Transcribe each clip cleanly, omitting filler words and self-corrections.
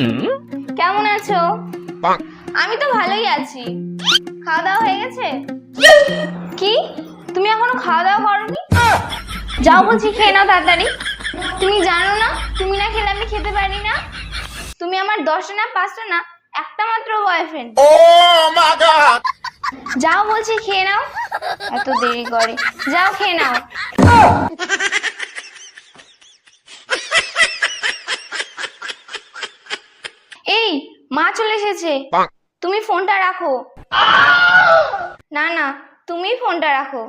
কেমন আছো? আমি তো ভালোই আছি। খাওয়া দাওয়া হয়ে গেছে? কি, তুমি এখনো খাওয়া দাওয়া করোনি? যাও বলছি, খেয়ে নাও তাড়াতাড়ি। তুমি জানো না, তুমি না খেলে আমি খেতে পারি না। তুমি আমার 10টা না 5টা না, একটা মাত্র বয়ফ্রেন্ড। যাও বলছি, খেয়ে নাও। এত দেরি করে, যাও খেয়ে নাও। এই, মা চলে এসেছে, তুমি ফোনটা রাখো। না না, তুমি ফোনটা রাখো।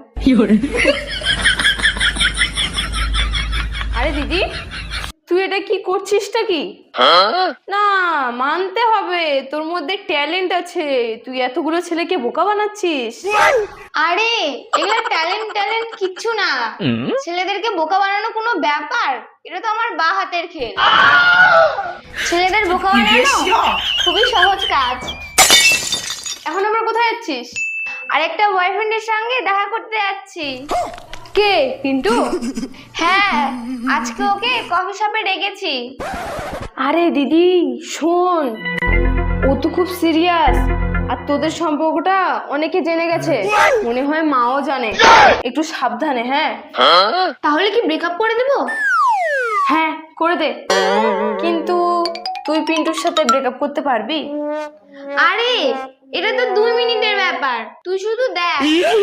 আরে দিদি, তুই এটা কি করছিসটা কি? না, মানতে হবে তোর মধ্যে ট্যালেন্ট আছে। তুই এতগুলো ছেলেকে বোকা বানাচ্ছিস। আরে এগুলো ট্যালেন্ট কিচ্ছু না। ছেলেদেরকে বোকা বানানো কোনো ব্যাপার? এটা তো আমার বা হাতের খেল। ছেলেদের বোকা বানানো খুবই সহজ কাজ। এখন আমরা কোথায় যাচ্ছিস? আর একটা বয়ফ্রেন্ডের সঙ্গে দেখা করতে যাচ্ছি। কে, পিন্টু? হ্যাঁ, আজকে ওকে কফি শপে ডেকেছি। আরে দিদি শোন, ও তো খুব সিরিয়াস, আর তোদের সম্পর্কটা অনেকে জেনে গেছে, মনে হয় মাও জানে। একটু সাবধানে। হ্যাঁ, তাহলে কি ব্রেকআপ করে দেবো? হ্যাঁ করে দে, কিন্তু তুই পিন্টুর সাথে ব্রেকআপ করতে পারবি? আরে এটা তো 2 মিনিটের ব্যাপার, তুই শুধু দেখ।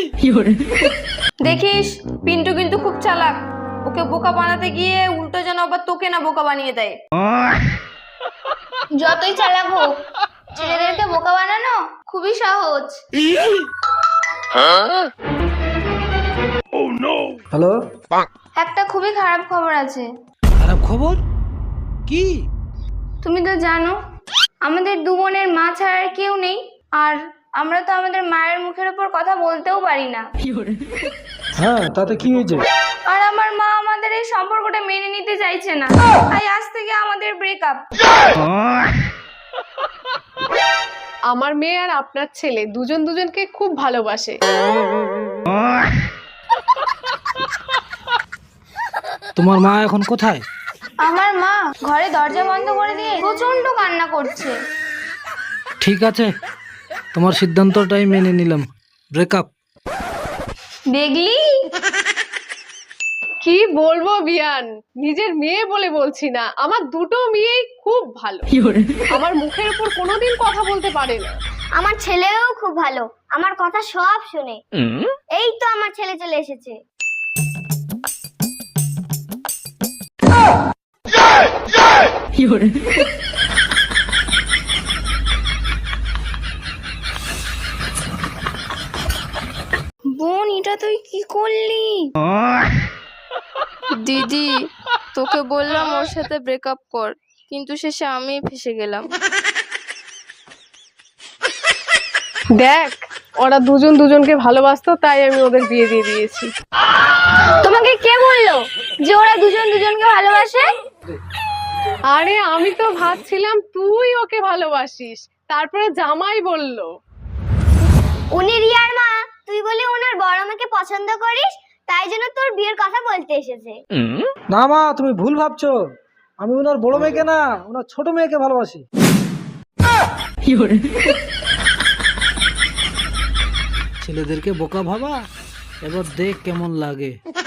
দেখিস, পিন্টু কিন্তু খুব চালাক। ওকে বোকা বানাতে গিয়ে উল্টো যেন আবার তোকে না বোকা বানিয়ে দেয়। যতই চালাক হোক, ছেলেদেরকে বোকা বানানো খুবই সহজ। হ্যালো, একটা খুবই খারাপ খবর আছে। খারাপ খবর কি? তুমি তো জানো আমাদের 2 বোনের মা ছাড়া আর কেউ নেই, আর আমরা তো আমাদের মায়ের মুখের উপর কথা বলতেও পারি না। হ্যাঁ, তাতে কি হয়েছে? আর আমার মা আমাদের এই সম্পর্কটা মেনে নিতে চাইছে না, তাই আজ থেকে আমাদের ব্রেকআপ। আমার মেয়ে আর আপনার ছেলে দুজন দুজনকে খুব ভালোবাসে। তোমার মা এখন কোথায়? আমার মা ঘরে দরজা বন্ধ করে দিয়ে প্রচন্ড কান্না করছে। ঠিক আছে, তোমার সিদ্ধান্তটাই মেনে নিলাম, ব্রেকআপ। দেখলি? কি বলবো বিয়ান, নিজের মেয়ে বলে বলছি না, আমার দুটো মেয়েই খুব ভালো। আমার মুখের উপর কোনোদিন কথা বলতে পারে না। আমার ছেলেও খুব ভালো, আমার কথা সব শুনে। এই তো আমার ছেলে চলে এসেছে। বোন, এটা তুই কি করলি? দিদি, তোকে বললাম ওর সাথে ব্রেকআপ কর, কিন্তু শেষে আমি ফেসে গেলাম। দেখ, ওরা দুজন দুজনকে ভালোবাসতো, তাই আমি ওদের বিয়ে দিয়ে দিয়েছি। তোমাকে কে বললো যে ওরা দুজন দুজনকে ভালোবাসে? আরে আমি তো ভাবছিলাম তুই ওকে ভালোবাসিস, তারপরে জামাই বলল। উনি রিয়ার মা, তুই বলে ওনার বড় মেয়েকে পছন্দ করিস, তাই জন্য তোর বিয়ের কথা বলতে এসেছে। না মা, তুমি ভুল ভাবছো। আমি ওনার বড় মেয়েকে না, ওনার ছোট মেয়েকে ভালোবাসি। ছেলেদেরকে বোকা ভাবা, এবার দেখ কেমন লাগে।